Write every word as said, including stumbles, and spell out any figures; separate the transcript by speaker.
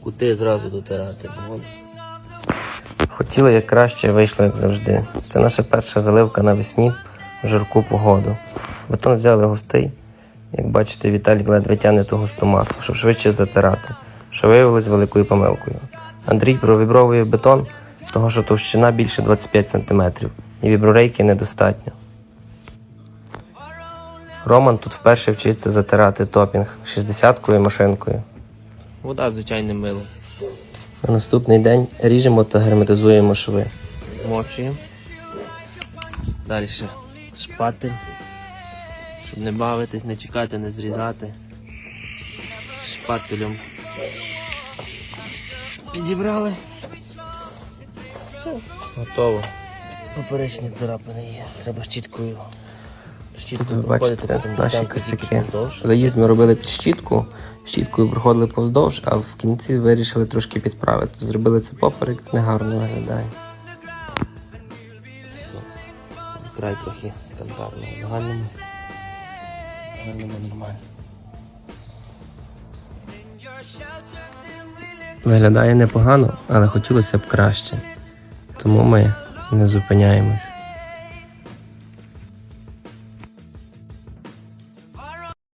Speaker 1: кути зразу дотирати. Бо...
Speaker 2: Хотіли як краще, вийшло як завжди. Це наша перша заливка навесні в жарку погоду. Бетон взяли густий. Як бачите, Віталік ледве тягне ту густу масу, щоб швидше затирати, що виявилось великою помилкою. Андрій провібровує бетон, того що товщина більше двадцять п'ять сантиметрів, і віброрейки недостатньо. Роман тут вперше вчиться затирати топінг шістдесяткою машинкою.
Speaker 1: Вода звичайним милом.
Speaker 2: На наступний день ріжемо та герметизуємо шви.
Speaker 1: Змочуємо. Далі шпатель, щоб не бавитись, не чекати, не зрізати. Шпателем підібрали. Все, готово. Поперечні царапини є, треба щіткою.
Speaker 2: Тут ви бачите наші косяки. Заїзд ми робили під щітку, щіткою проходили повздовж, а в кінці вирішили трошки підправити. Зробили це поперек, негарно виглядає.
Speaker 1: Край трохи кантарно, в загальному, в загальному нормально.
Speaker 2: Виглядає непогано, але хотілося б краще. Тому ми не зупиняємось.